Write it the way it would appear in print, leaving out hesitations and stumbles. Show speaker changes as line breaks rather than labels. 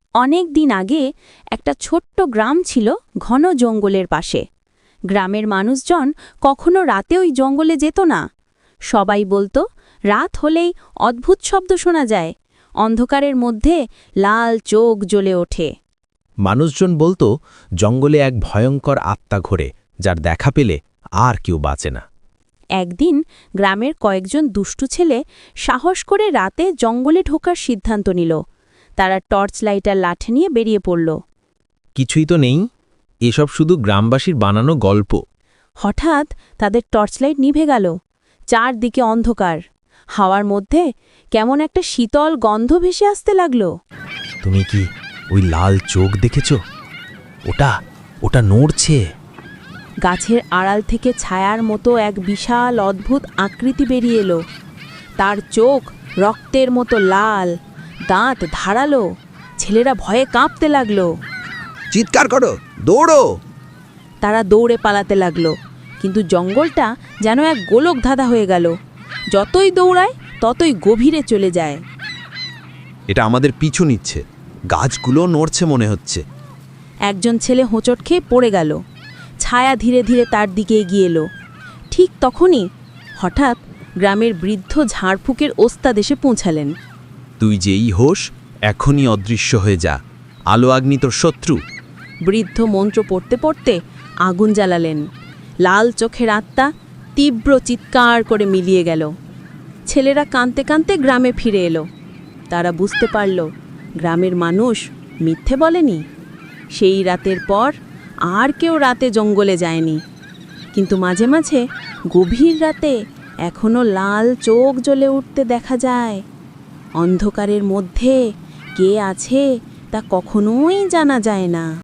অনেক দিন আগে একটা ছোট্ট গ্রাম ছিল ঘন জঙ্গলের পাশে। গ্রামের মানুষজন কখনো রাতে ওই জঙ্গলে যেত না। সবাই বলতো রাত হলেই অদ্ভুত শব্দ শোনা যায়, অন্ধকারের মধ্যে লাল চোখ জ্বলে ওঠে।
মানুষজন বলতো জঙ্গলে এক ভয়ঙ্কর আত্মা ঘোরে, যার দেখা পেলে আর কেউ বাঁচে না।
একদিন গ্রামের কয়েকজন দুষ্টু ছেলে সাহস করে রাতে জঙ্গলে ঢোকার সিদ্ধান্ত নিল। তারা টর্চ লাইটার লাঠি নিয়ে বেরিয়ে পড়ল।
কিছুই তো নেই, এসব শুধু গ্রামবাসীর বানানো গল্প।
হঠাৎ তাদের টর্চলাইট নিভে গেল। চারদিকে অন্ধকার, হাওয়ার মধ্যে কেমন একটা শীতল গন্ধ ভেসে আসতে লাগল।
তুমি কি ওই লাল চোখ দেখেছ? ওটা ওটা নড়ছে।
গাছের আড়াল থেকে ছায়ার মতো এক বিশাল অদ্ভুত আকৃতি বেরিয়ে এলো। তার চোখ রক্তের মতো লাল, দাঁত ধারালো। ছেলেরা ভয়ে কাঁপতে লাগলো।
চিৎকার করো, দৌড়ো!
তারা দৌড়ে পালাতে লাগলো, কিন্তু জঙ্গলটা যেন এক গোলক ধাঁধা হয়ে গেল। যতই দৌড়ায় ততই গভীরে চলে যায়।
এটা আমাদের পিছু নিচ্ছে, গাছগুলো নড়ছে মনে হচ্ছে।
একজন ছেলে হোঁচট খেয়ে পড়ে গেল। ছায়া ধীরে ধীরে তার দিকে এগিয়ে এলো। ঠিক তখনই হঠাৎ গ্রামের বৃদ্ধ ঝাড়ফুঁকের ওস্তাদ এসে পৌঁছালেন।
তুই যেই হোস, এখনই অদৃশ্য হয়ে যা। আলো আগ্নি তোর শত্রু।
বৃদ্ধ মন্ত্র পড়তে পড়তে আগুন জ্বালালেন। লাল চোখের আত্মা তীব্র চিৎকার করে মিলিয়ে গেল। ছেলেরা কাঁদতে কাঁদতে গ্রামে ফিরে এলো। তারা বুঝতে পারল গ্রামের মানুষ মিথ্যে বলেনি। সেই রাতের পর আর কেউ রাতে জঙ্গলে যায়নি। কিন্তু মাঝে মাঝে গভীর রাতে এখনো লাল চোখ জ্বলে উঠতে দেখা যায়। অন্ধকারের মধ্যে কে আছে তা কখনোই জানা যায় না।